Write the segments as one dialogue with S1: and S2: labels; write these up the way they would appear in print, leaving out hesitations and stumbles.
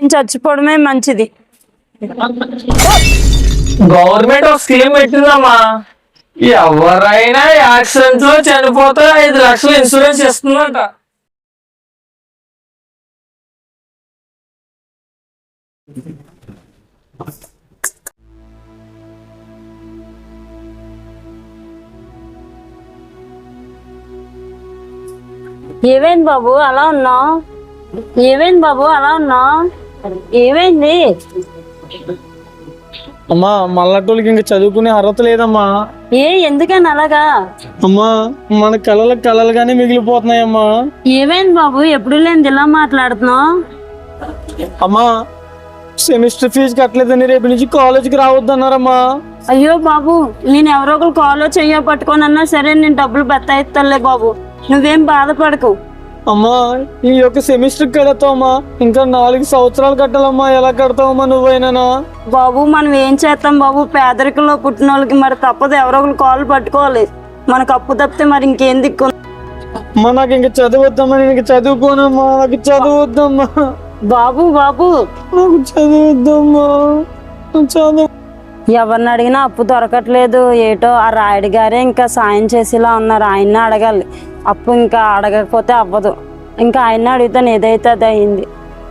S1: నేను చచ్చిపోవడమే మంచిది.
S2: గవర్నమెంట్ ఒక స్కీమ్ పెట్టిందమ్మా, ఎవరైనా యాక్సిడెంట్ లో చనిపోతే 5 లక్షలు ఇన్సూరెన్స్ ఇస్తుందంట.
S1: ఏమైంది బాబు అలా ఉన్నావు? ఏమైంది బాబు అలా ఉన్నావు? ఏమైంది?
S3: అమ్మా మల్లటోళ్ళకి ఇంకా చదువుకునే అర్హత లేదమ్మా.
S1: ఎందుకని అలాగా?
S3: అమ్మా మన కళలుగానే మిగిలిపోతున్నాయమ్మా.
S1: ఏమైంది బాబు ఎప్పుడు లేని ఇలా మాట్లాడుతున్నావు?
S3: అమ్మా సెమిస్టర్ ఫీజు కట్టలేదని రేపు నుంచి కాలేజీకి రావద్దన్నారమ్మా.
S1: అయ్యో బాబు, నేను ఎవరో ఒకరు కాలో చెయ్యో పట్టుకోనన్నా సరే నేను డబ్బులు బత్తాయిస్తానులే బాబు, నువ్వేం బాధపడకు.
S3: అమ్మా ఈ యొక్క సెమిస్టర్ కడతావమ్మా, ఇంకా 4 సంవత్సరాలు కట్టాలమ్మా. ఎలా కడతావమ్మా నువ్వైనా?
S1: బాబు మనం ఏం చేస్తాం బాబు, పేదరికంలో పుట్టిన వాళ్ళకి మరి తప్పదు, ఎవరో ఒకరు కాలు పట్టుకోవాలి. మనకు అప్పు తప్పితే మరి ఇంకేం దిక్కు?
S3: అమ్మా నాకు ఇంకా చదవద్దమ్మా, నేను ఇంకా చదువుకోనమ్మా, నాకు చదవద్దమ్మా.
S1: బాబు బాబు
S3: నాకు చదవద్దమ్మా, చదువు.
S1: ఎవరిని అడిగినా అప్పు దొరకట్లేదు. ఏటో ఆ రాయుడు గారే ఇంకా సాయం చేసేలా ఉన్నారు, ఆయన్ని అడగాలి. అప్పు ఇంకా అడగకపోతే అవ్వదు, ఇంకా ఆయన్ని అడిగితే ఏదైతే అది అయింది.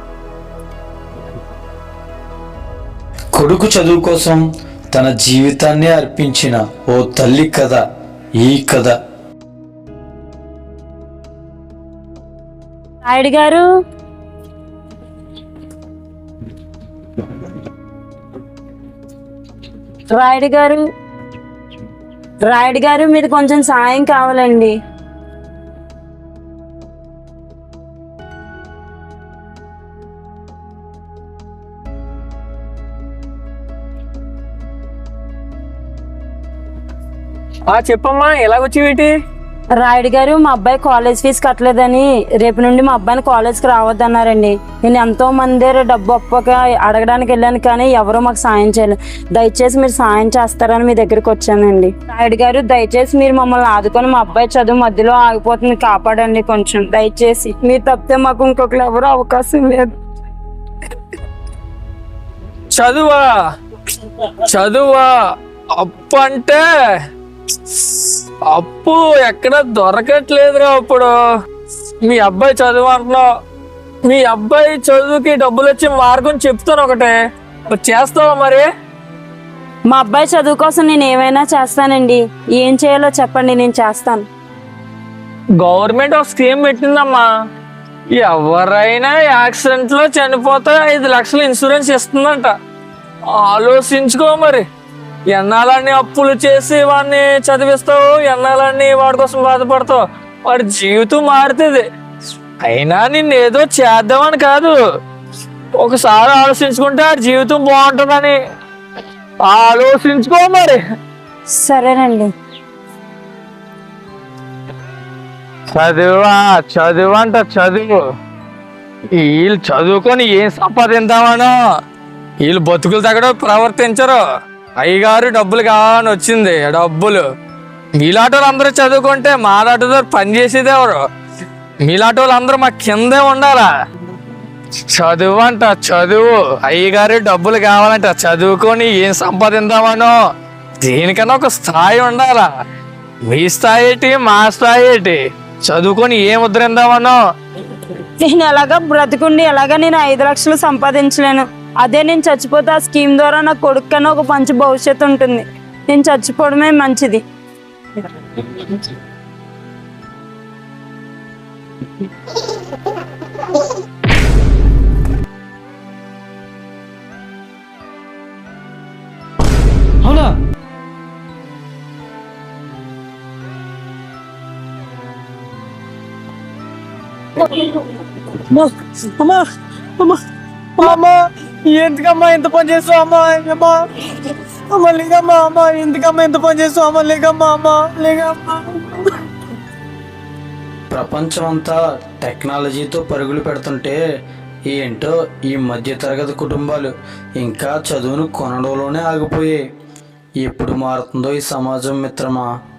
S4: కొడుకు చదువు కోసం తన జీవితాన్ని అర్పించిన ఓ తల్లి కథ ఈ కథ.
S1: రాయుడు గారు, రాయుడు గారు, రాయుడు గారు మీది కొంచెం సాయం కావాలండి.
S2: చెప్పమ్మా, ఎలాగొచ్చేవేటి?
S1: రాయుడు గారు, మా అబ్బాయి కాలేజ్ ఫీజు కట్టలేదని రేపు నుండి మా అబ్బాయిని కాలేజ్కి రావద్దన్నారండి. నేను ఎంతో మంది డబ్బు అప్పక అడగడానికి వెళ్ళాను, కానీ ఎవరో మాకు సాయం చేయలేదు. దయచేసి మీరు సాయం చేస్తారని మీ దగ్గరికి వచ్చానండి. రాయుడు గారు, దయచేసి మీరు మమ్మల్ని ఆదుకొని మా అబ్బాయి చదువు మధ్యలో ఆగిపోతుంది, కాపాడండి కొంచెం దయచేసి. మీరు తప్పితే మాకు ఇంకొకరు ఎవరో అవకాశం లేదు.
S2: చదువా చదువా అప్పు అంటే అప్పు ఎక్కడ దొరకట్లేదురా. ఇప్పుడు మీ అబ్బాయి చదువు అంటున్నావు, మీ అబ్బాయి చదువుకి డబ్బులు వచ్చే మార్గం చెప్తాను, ఒకటే చేస్తావా మరి?
S1: మా అబ్బాయి చదువు కోసం నేను ఏమైనా చేస్తానండి, ఏం చేయాలో చెప్పండి, నేను చేస్తాను.
S2: గవర్నమెంట్ ఒక స్కీమ్ పెట్టిందమ్మా, ఎవరైనా యాక్సిడెంట్ లో చనిపోతే 5 లక్షలు ఇన్సూరెన్స్ ఇస్తుందంట. ఆలోచించుకో మరి, ఎన్నాళ్ళని అప్పులు చేసి వాడిని చదివిస్తావు, ఎన్నాళ్ళని వాడి కోసం బాధపడతావు, వాడి జీవితం మారుతుంది. అయినా నిన్ను ఏదో చేద్దామని కాదు, ఒకసారి ఆలోచించుకుంటే ఆ జీవితం బాగుంటుందని ఆలోచించుకో మరి.
S1: సరేనండి.
S2: చదువా చదువు అంట చదువు, వీళ్ళు చదువుకొని ఏం సంపాదిద్దామనో, వీళ్ళు బతుకులు తగ్గడం ప్రవర్తించరు. అయ్యగారు డబ్బులు కావాలని వచ్చింది, డబ్బులు. మీలాటోళ్ళు అందరూ చదువుకుంటే మాలాటో పని చేసేది ఎవరు? మీలాటోళ్ళు అందరూ మా కిందే ఉండాలా. చదువు అంట చదువు, అయ్యగారు డబ్బులు కావాలంట, చదువుకొని ఏం సంపాదిద్దామనో, దేనికన్నా ఒక స్థాయి ఉండాలా. మీ స్థాయి ఏంటి, మా స్థాయి ఏంటి? చదువుకొని ఏం ఉద్ధరిందామనో.
S1: నేను ఎలాగా బ్రతుకుండి ఎలాగా నేను 5 లక్షలు సంపాదించలేను. అదే నేను చచ్చిపోతే ఆ స్కీమ్ ద్వారా నా కొడుకు కన్నా ఒక మంచి భవిష్యత్తు ఉంటుంది. నేను చచ్చిపోవడమే మంచిది.
S3: అవునా? అమ్మా అమ్మా అమ్మా, ఎందుకమ్మా ఎంత పని చేస్తావు అమ్మా? అమ్మా అమ్మ లేకమ్మా, అమ్మా ఎందుకమ్మా ఎంత పని చేస్తావు అమ్మా? లేకమ్మా, అమ్మా లేకమ్మా.
S4: ప్రపంచం అంతా టెక్నాలజీతో పరుగులు పెడుతుంటే ఏంటో ఈ మధ్యతరగతి కుటుంబాలు ఇంకా చదువును కొనడంలోనే ఆగిపోయాయి. ఎప్పుడు మారుతుందో ఈ సమాజం మిత్రమా.